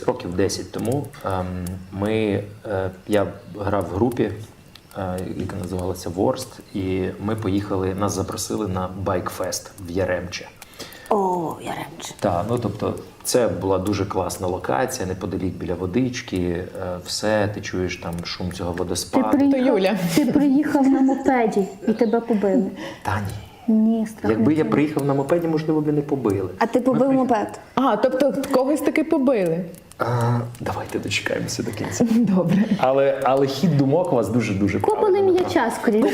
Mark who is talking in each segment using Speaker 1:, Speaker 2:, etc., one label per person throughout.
Speaker 1: Років 10 тому я грав в групі, яка називалася Ворст, і ми поїхали, нас запросили на байк-фест в Яремче.
Speaker 2: О, Яремче.
Speaker 1: Так, ну тобто це була дуже класна локація, неподалік біля водички, все, ти чуєш там шум цього водоспаду.
Speaker 3: Ти приїхав на мопеді і тебе побили.
Speaker 1: Та ні.
Speaker 3: Ні, страх.
Speaker 1: Якби я приїхав на мопеді, можливо, б не побили.
Speaker 2: А ти побив мопед?
Speaker 3: А, тобто когось таки побили.
Speaker 1: Давайте дочекаємося до кінця.
Speaker 3: Добре.
Speaker 1: Але хід думок у вас дуже-дуже
Speaker 3: Копали
Speaker 1: правильний.
Speaker 3: м'яча, скоріше.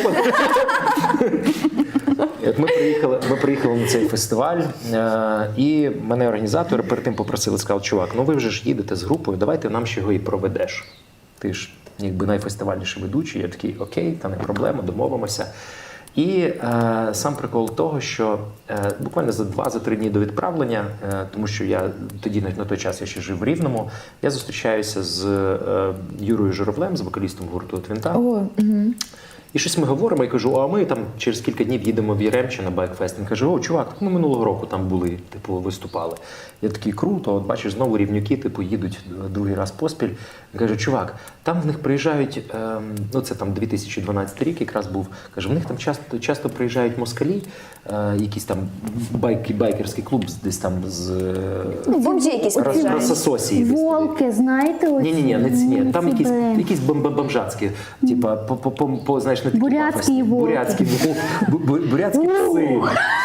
Speaker 1: От ми приїхали на цей фестиваль, і мене організатори перед тим попросили, сказали, чувак, ну ви вже ж їдете з групою, давайте нам ще його і проведеш. Ти ж якби найфестивальніший ведучий. Я такий, окей, та не проблема, домовимося. І сам прикол того, що буквально за 2-3 дні до відправлення, тому що я тоді на той час я ще жив в Рівному, я зустрічаюся з Юрою Журавлем, з вокалістом гурту Твінта. І щось ми говоримо, і кажу, а ми там через кілька днів їдемо в Яремче на байк-фест. Він каже, о, чувак, ми минулого року там були, типу, виступали. Я такий, круто, от бачиш, знову рівнюки, типу, їдуть другий раз поспіль. Він каже, чувак, там в них приїжджають, ну це там 2012 рік якраз був, каже, в них там часто приїжджають москалі, якийсь там байкерський клуб десь там з
Speaker 2: Бомжі якісь приїжджають.
Speaker 1: Рососії.
Speaker 3: Волки, знаєте, оці?
Speaker 1: Ні, там якісь бомжацькі, типа, знаєш, не такі
Speaker 3: бурятські волки.
Speaker 1: бурятські пси.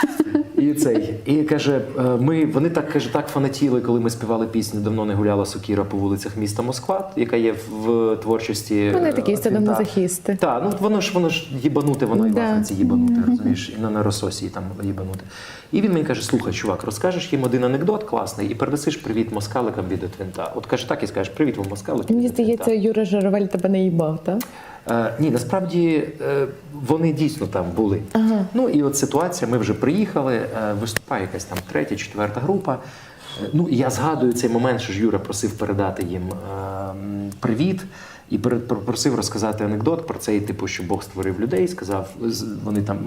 Speaker 1: І каже, вони так фанатіли, коли ми співали пісню «Давно не гуляла сокіра по вулицях міста Москва», яка є в творчості.
Speaker 4: Вони такі садомазохісти.
Speaker 1: Так, ну воно ж їбануте, воно і власне їбануте, розумієш, і на Рососії там їбануте. І він мені каже, слухай, чувак, розкажеш їм один анекдот класний і передасиш привіт москаликам від Твінта. От каже, так і скажеш, привіт вам москалики.
Speaker 4: Мені здається, Юра Журавель тебе не їбав, так?
Speaker 1: Ні, насправді вони дійсно там були. Ну і от ситуація, ми вже приїхали, виступає якась там 3-4 група. Ну і я згадую цей момент, що ж Юра просив передати їм привіт і просив розказати анекдот про цей, типу, що Бог створив людей, сказав, вони там,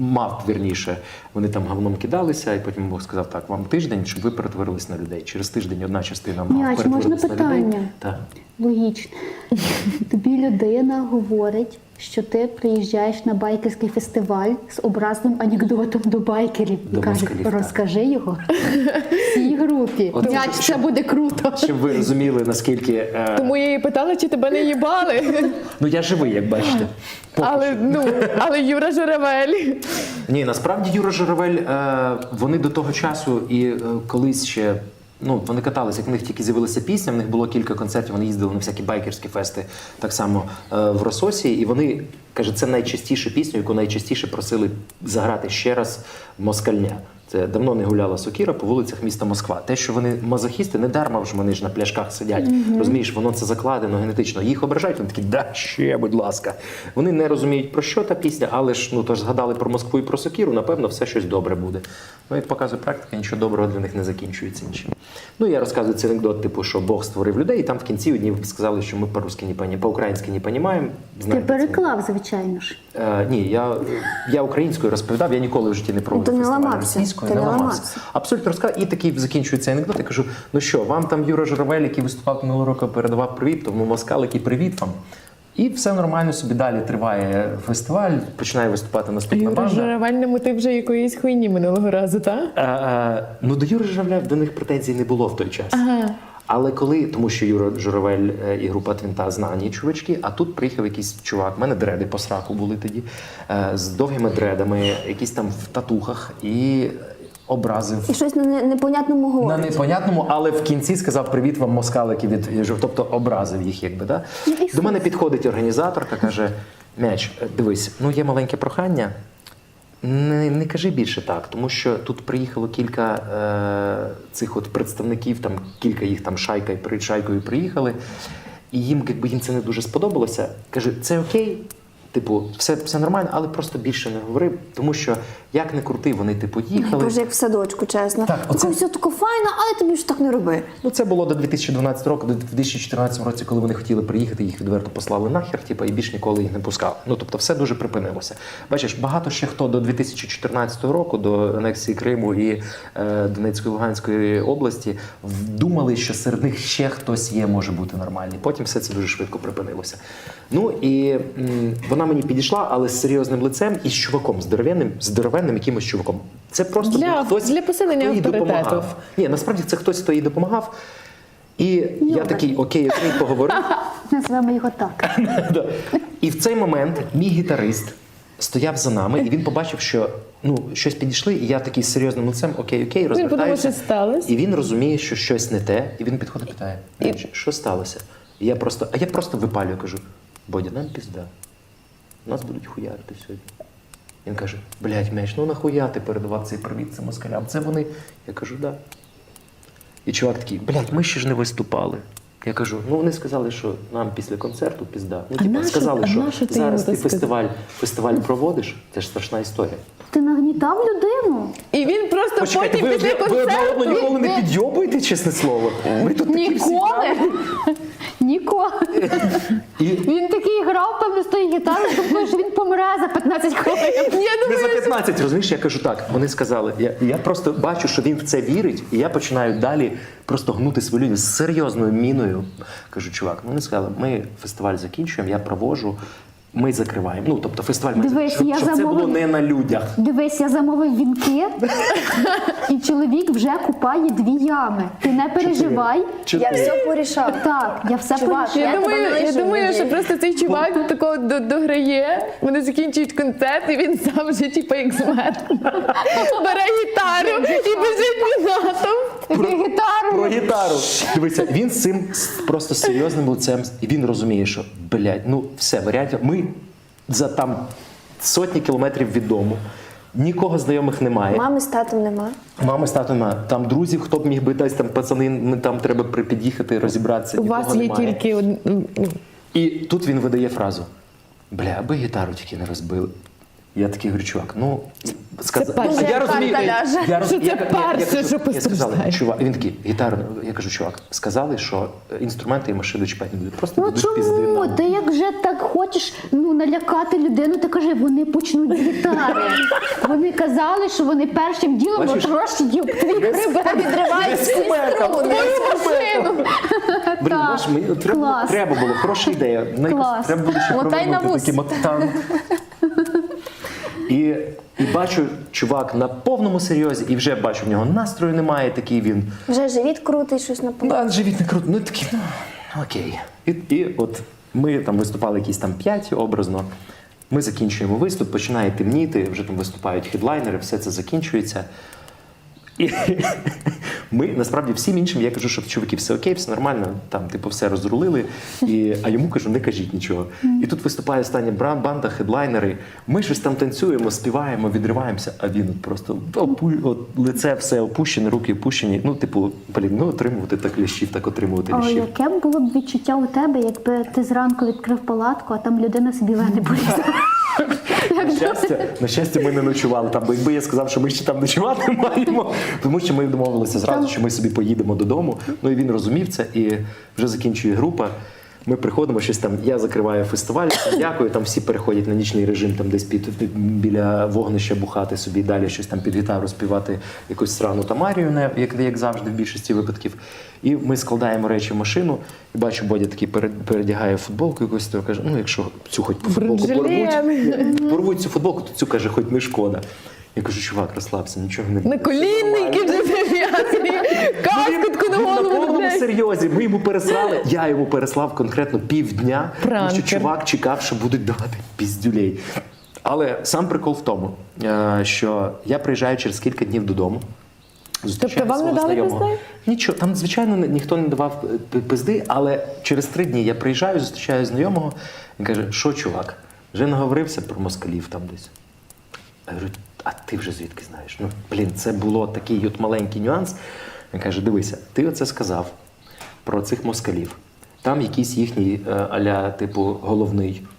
Speaker 1: вони там говном кидалися, і потім Бог сказав, так, вам тиждень, щоб ви перетворились на людей. Через тиждень одна частина мав перетворилась на людей.
Speaker 3: Можна питання?
Speaker 1: Так.
Speaker 3: Логічно. Тобі людина говорить, що ти приїжджаєш на байкерський фестиваль з образним анекдотом до байкерів.
Speaker 1: До
Speaker 3: І каже,
Speaker 1: москалів,
Speaker 3: розкажи його всій групі.
Speaker 1: От
Speaker 3: М'яч, це буде круто.
Speaker 1: Щоб ви розуміли, наскільки...
Speaker 4: Тому я її питала, чи тебе не їбали.
Speaker 1: Ну я живий, як бачите.
Speaker 4: Але Юра Журавель.
Speaker 1: Ні, насправді Юра Журавель, вони до того часу і колись ще, ну, вони каталися, як в них тільки з'явилася пісня, в них було кілька концертів, вони їздили на всякі байкерські фести, так само в Рососії, і вони, каже, це найчастіша пісня, яку найчастіше просили заграти ще раз москальня. Це «Давно не гуляла сокіра по вулицях міста Москва». Те, що вони мазохісти, не дарма, що вони ж на пляшках сидять. Розумієш, воно це закладено генетично. Їх ображають, вони такі, да, ще, будь ласка. Вони не розуміють, про що та пісня, але ж, ну, тож згадали про Москву і про сокіру, напевно, все щось добре буде. Ну, як показує практика, нічого доброго для них не закінчується нічим. Ну, я розказую цей анекдот, типу, що Бог створив людей, і там в кінці одні сказали, що ми по-українськи не розуміємо.
Speaker 3: Ти переклав, звичайно ж.
Speaker 1: Ні, я українською розповідав, я ніколи в житті не пробував фестиваль російською, не ламався. Абсолютно розказав. І такий закінчується анекдот, я кажу, ну що, вам там Юра Журавель, який виступав минулого року, передавав привіт, тому москалики, привіт вам. І все нормально собі далі триває фестиваль, починає виступати наступна
Speaker 4: Юра
Speaker 1: банда.
Speaker 4: Журавель не мотив вже якоїсь хуйні минулого разу, так?
Speaker 1: Ну, до Юри Журавля до них претензій не було в той час. Але коли, тому що Юра Журавель і група Твінта знані чувачки, а тут приїхав якийсь чувак, в мене дреди по сраку були тоді, з довгими дредами, якісь там в татухах, і образив.
Speaker 2: І щось на непонятному говорить.
Speaker 1: На непонятному, але в кінці сказав привіт вам москалики від, тобто образив їх, якби, да? До мене підходить організаторка, каже, Мяч, дивись, ну є маленьке прохання, не кажи більше так, тому що тут приїхало кілька цих от представників, там кілька їх там шайкою приїхали, і їм, якби їм це не дуже сподобалося. Каже, це окей, Типу, все нормально, але просто більше не говори, тому що як не крути, вони типу їхали.
Speaker 2: Боже, як в садочку, чесно.
Speaker 1: Так, оце-
Speaker 2: Таке все таке файно, але тобі ж так не роби.
Speaker 1: Ну, це було до 2012 року, до 2014 році, коли вони хотіли приїхати, їх відверто послали нахер, типу, і більш ніколи їх не пускали. Ну, тобто, все дуже припинилося. Бачиш, багато ще хто до 2014 року, до анексії Криму і Донецької, Луганської області, думали, що серед них ще хтось є, може бути нормальний. Потім все це дуже швидко припинилося. Ну, і вона мені підійшла, але з серйозним лицем і з чуваком, здоровенним якимось чуваком. Це просто
Speaker 4: Для-
Speaker 1: був хтось,
Speaker 4: для посилення
Speaker 1: хто їй
Speaker 4: авторитету.
Speaker 1: допомагав. Ні, насправді це хтось, хто їй допомагав. І я такий, окей, поговорив.
Speaker 3: Назвемо його так.
Speaker 1: Да. І в цей момент мій гітарист стояв за нами, і він побачив, що щось підійшли, і я такий з серйозним лицем, окей,
Speaker 4: подумав,
Speaker 1: розвертаюся.
Speaker 4: що сталося.
Speaker 1: І він розуміє, що щось не те, і він підходить і питає, що сталося? І я просто випалюю, кажу, Бодя, нам пізда. Нас будуть хуярити сьогодні. Він каже, блядь, Меч, нахуя ти передавав цей привіт цим москалям? Це вони? Я кажу, да. І чувак такий, блядь, ми ще ж не виступали. Я кажу, вони сказали, що нам після концерту пізда. Сказали, що
Speaker 4: нащо ти
Speaker 1: зараз
Speaker 4: йому
Speaker 1: ти
Speaker 4: так
Speaker 1: фестиваль проводиш, це ж страшна історія.
Speaker 3: Ти нагнітав людину?
Speaker 4: І він просто
Speaker 1: Почекайте,
Speaker 4: потім після
Speaker 1: ви одне одного
Speaker 4: концерту...
Speaker 1: ніколи не підйобуєте, чесне слово. Ми тут такі всі
Speaker 3: Ніколи. Ніколи.
Speaker 1: І
Speaker 3: Він такий грав, певно, з тої гітари, думаю, що він помре за 15 хвилин.
Speaker 1: не за 15, розумієш, я кажу так, вони сказали, я просто бачу, що він в це вірить, і я починаю далі просто гнути свою лінію з серйозною міною. Кажу, чувак, вони сказали, ми фестиваль закінчуємо, я проводжу, ми закриваємо. Тобто фестиваль має
Speaker 3: Дивись,
Speaker 1: щоб
Speaker 3: я
Speaker 1: це було
Speaker 3: замовив-
Speaker 1: не на людях.
Speaker 3: Дивись, я замовив вінки, і чоловік вже купає 2 ями. Ти не переживай.
Speaker 2: Я все порішав.
Speaker 3: Так, я все
Speaker 2: Чувак,
Speaker 3: порішила.
Speaker 2: Я тебе не
Speaker 4: Я
Speaker 2: лишу,
Speaker 4: думаю,
Speaker 2: Андрій.
Speaker 4: що просто цей чувак такого дограє, вони закінчують концерт, і він сам вже типу як змер. Бере гітару і біжить назад.
Speaker 1: Про гітару. Дивися, він з цим просто серйозним лицем, і він розуміє, що, блядь, все, варіантів. Ми за там сотні кілометрів від дому, нікого знайомих немає.
Speaker 2: Мами з татом нема.
Speaker 1: Мами з татом немає. Там друзів, хто б міг би десь там пацани, там треба під'їхати, розібратися.
Speaker 4: У вас
Speaker 1: нікого
Speaker 4: є
Speaker 1: немає.
Speaker 4: тільки
Speaker 1: І тут він видає фразу: бля, аби гітару тільки не розбили. Я такий говорю, чувак, сказав.
Speaker 4: перше.
Speaker 1: Я розумію,
Speaker 2: Карта ляже.
Speaker 4: Що це перше, що
Speaker 1: я сказав,
Speaker 4: постраждає.
Speaker 1: чувак, він такий, гітару, я кажу, чувак, сказали, що інструменти і машини чіпати не будуть. Просто
Speaker 3: Ну
Speaker 1: дадуть пізди
Speaker 3: чому?
Speaker 1: нам.
Speaker 3: Ти як вже так хочеш налякати людину, ти кажи, вони почнуть з гітари. Вони казали, що вони першим ділом
Speaker 1: Бачиш?
Speaker 3: отрощать твій хребет.
Speaker 2: Відривають всі струни.
Speaker 4: машину.
Speaker 1: Блін, знаєш, мені
Speaker 3: Клас.
Speaker 1: треба було, хороша ідея.
Speaker 3: Клас.
Speaker 1: Треба було ще
Speaker 2: Мотай на
Speaker 1: провернути
Speaker 2: вус.
Speaker 1: такі мотан. І бачу, чувак на повному серйозі, і вже бачу, в нього настрою немає, такий він.
Speaker 2: Вже живіт крутий, щось напоминає.
Speaker 1: Живіт не круто. Такий, окей. І от ми там виступали якісь там 5 образно. Ми закінчуємо виступ, починає темніти, вже там виступають хедлайнери, все це закінчується. І ми, насправді, всім іншим, я кажу, що чуваки, все окей, все нормально, там, типу, все розрулили, а йому кажу, не кажіть нічого. І тут виступає остання банда, хедлайнери, ми щось там танцюємо, співаємо, відриваємося, а він просто лице все опущене, руки опущені. Отримувати так лящів, так отримувати
Speaker 3: О,
Speaker 1: лящів.
Speaker 3: яке б було б відчуття у тебе, якби ти зранку відкрив палатку, а там людина собі вени полізла.
Speaker 1: На щастя, ми не ночували там, бо якби я сказав, що ми ще там ночувати маємо, тому що ми домовилися зразу, що ми собі поїдемо додому. І він розумів це, і вже закінчує група. Ми приходимо, щось там, я закриваю фестиваль, дякую, там всі переходять на нічний режим, там десь біля вогнища бухати собі, далі щось там під гітару співати якусь срану Тамарію, як завжди в більшості випадків. І ми складаємо речі в машину, і бачу, Бодя такий передягає футболку якусь, то каже, якщо цю хоч по футболку порвуть цю футболку, то цю, каже, хоч не шкода. Я кажу, чувак, розслабся, нічого не буде.
Speaker 4: Наколінники вже прив'язані, каскотку на
Speaker 1: Він на
Speaker 4: голову.
Speaker 1: повному
Speaker 4: блядь.
Speaker 1: серйозі. Ми йому переслали, я йому переслав конкретно півдня, тому що
Speaker 4: Пранкер.
Speaker 1: чувак чекав, що будуть давати піздюлей. Але сам прикол в тому, що я приїжджаю через кілька днів додому. Зустрічаю
Speaker 4: Тобто вам не
Speaker 1: свого
Speaker 4: дали
Speaker 1: знайомого.
Speaker 4: пизди?
Speaker 1: Нічого, там, звичайно, ніхто не давав пизди, але через 3 дні я приїжджаю, зустрічаю знайомого, він каже, що, чувак, вже наговорився про москалів там десь. Я говорю, а ти вже звідки знаєш? Це було такий от маленький нюанс. Він каже, дивися, ти оце сказав про цих москалів. Там якийсь їхній аля, типу, головний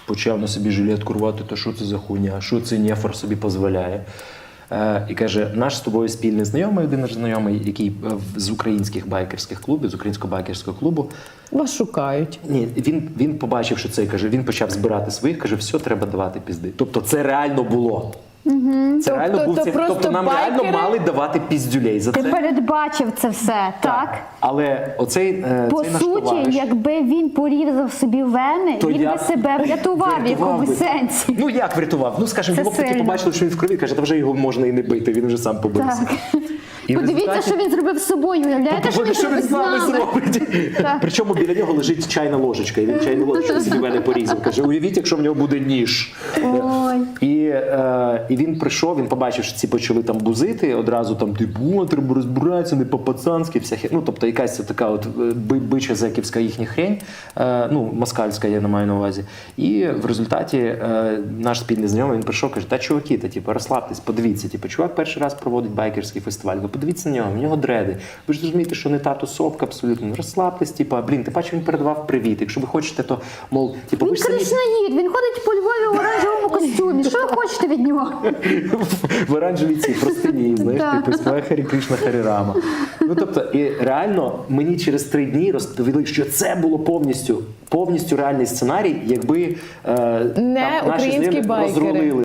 Speaker 1: почав на собі жилетку рвати, то що це за хуйня, що це нефор собі дозволяє. І каже, наш з тобою спільний знайомий, один наш знайомий, який з українських байкерських клубів, з українського байкерського клубу,
Speaker 4: Вас шукають.
Speaker 1: ні, він побачив, що це, каже, він почав збирати своїх, каже, все, треба давати пізди. Тобто це реально було. Це реально був
Speaker 4: то
Speaker 1: цей,
Speaker 4: просто
Speaker 1: тобто нам реально
Speaker 4: байкери-
Speaker 1: мали давати піздюлей за
Speaker 3: Ти
Speaker 1: це.
Speaker 3: передбачив це все, так?
Speaker 1: Але оцей,
Speaker 3: По
Speaker 1: цей наш
Speaker 3: суті,
Speaker 1: товариш,
Speaker 3: якби він порізав собі вени,
Speaker 1: то
Speaker 3: він
Speaker 1: я
Speaker 3: би себе врятував в якомусь
Speaker 1: би.
Speaker 3: сенсі.
Speaker 1: Ну як врятував? Ну скажімо,
Speaker 3: Це
Speaker 1: його потім
Speaker 3: сильно.
Speaker 1: побачили, що він в крові, каже, та вже його можна і не бити, він вже сам побився.
Speaker 3: Так.
Speaker 1: І в
Speaker 3: Подивіться,
Speaker 1: результаті-
Speaker 3: що він зробив з собою. Уявляєте, що він
Speaker 1: Що він
Speaker 3: зробив
Speaker 1: з нами зробить?
Speaker 3: Так.
Speaker 1: Причому біля нього лежить чайна ложечка, і він чайну ложечку собі мене порізав. Каже, уявіть, якщо в нього буде ніж.
Speaker 3: Ой.
Speaker 1: І він прийшов, він побачив, що ці почали там бузити, одразу там, типу, треба розбиратися, не по-пацанськи, вся хер... Ну, тобто якась така от бича зеківська їхня хрень, ну, москальська, я не маю на увазі. І в результаті наш спільний знайомий, він прийшов, каже, та чуваки, та, типу, розслабтесь, подивіться, типу, чувак перший раз проводить байкерський фестиваль, ви подивіться на нього, в нього дреди. Ви ж розумієте, що не та тусовка абсолютно. Ну, розслабтесь, типу, блін, ти бачиш, він передавав привіт. Якщо ви хочете, то, мов, типу, ви
Speaker 3: Він
Speaker 1: ж самі...
Speaker 3: кришнаїд, він ходить по Львові в оранжевому костюмі. Що ви хочете від нього?
Speaker 1: в оранжевій цій простині, знаєш,
Speaker 3: Так.
Speaker 1: типу співає Харі Кришна Харі Рама. Ну тобто, і реально мені через 3 дні розповіли, що це було повністю реальний сценарій, якби
Speaker 4: Не
Speaker 1: наші
Speaker 4: українські
Speaker 1: знайомі
Speaker 4: байкери.
Speaker 1: розрулили